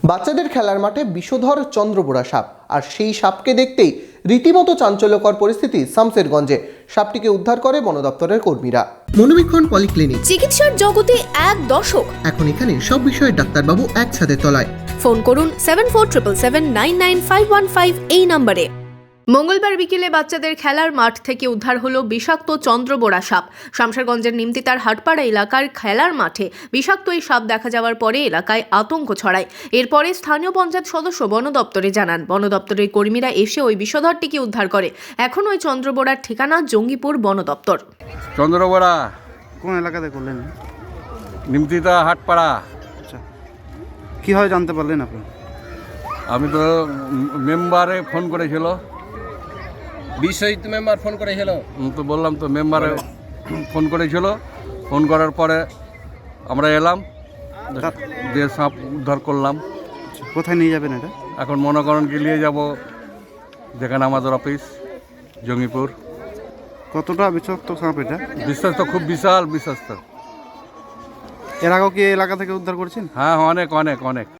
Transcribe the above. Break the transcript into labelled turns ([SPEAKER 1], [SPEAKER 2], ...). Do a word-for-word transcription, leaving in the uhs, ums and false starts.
[SPEAKER 1] বাচ্চাদের খেলার মাঠে বিষধর চন্দ্রবোড়া সাপ, আর সেই সাপকে দেখতেই রীতিমতো চাঞ্চল্যকর পরিস্থিতি শামসেরগঞ্জে। সাপটিকে উদ্ধার করে বন দপ্তরের কর্মীরা। মনোবীক্ষণ পলিক্লিনিক,
[SPEAKER 2] চিকিৎসার জগতে এক দশক।
[SPEAKER 1] এখন এখানে সব বিষয়ে ডাক্তারবাবু একসাথে তলায়।
[SPEAKER 2] ফোন করুন seven four triple seven nine nine five one five এই নম্বরে। মঙ্গলবার বিকেলে বাচ্চাদের খেলার মাঠ থেকে উদ্ধার হলো বিষাক্ত চন্দ্রবোড়া সাপ। শামশেরগঞ্জের নিমতিতার হাটপাড়া এলাকার খেলার মাঠে বিষাক্ত এই সাপ দেখা যাওয়ার পরে এলাকায় আতঙ্ক ছড়ায়। এরপরে স্থানীয় পঞ্চায়েত সদস্য বন দপ্তরে জানান। বন দপ্তরের কর্মীরা এসে ওই বিষধরটিকে উদ্ধার করে। এখন ওই চন্দ্রবোড়ার ঠিকানা জঙ্গিপুর বন দপ্তর।
[SPEAKER 3] চন্দ্রবোড়া
[SPEAKER 4] কোন এলাকাতে করলেন?
[SPEAKER 3] নিমতিতা হাটপাড়া।
[SPEAKER 4] আচ্ছা, কীভাবে জানতে পারলেন আপনি?
[SPEAKER 3] আমি তো মেম্বারে ফোন করেছিল,
[SPEAKER 5] বিশ্বজিৎ মেম্বার ফোন করেছিল।
[SPEAKER 3] উম, তো বললাম তো মেম্বারে ফোন করেছিল। ফোন করার পরে আমরা এলাম, দিয়ে সাপ উদ্ধার করলাম।
[SPEAKER 4] কোথায় নিয়ে যাবেন এটা?
[SPEAKER 3] এখন মনে করেন কি নিয়ে যাব যেখানে আমাদের অফিস, জঙ্গিপুর।
[SPEAKER 4] কতটা বিষাক্ত সাপ এটা?
[SPEAKER 3] বিশ্বাস তো খুব বিশাল, বিশ্বাস তো।
[SPEAKER 4] এর আগেও কি এই এলাকা থেকে উদ্ধার করেছেন?
[SPEAKER 3] হ্যাঁ, অনেক অনেক অনেক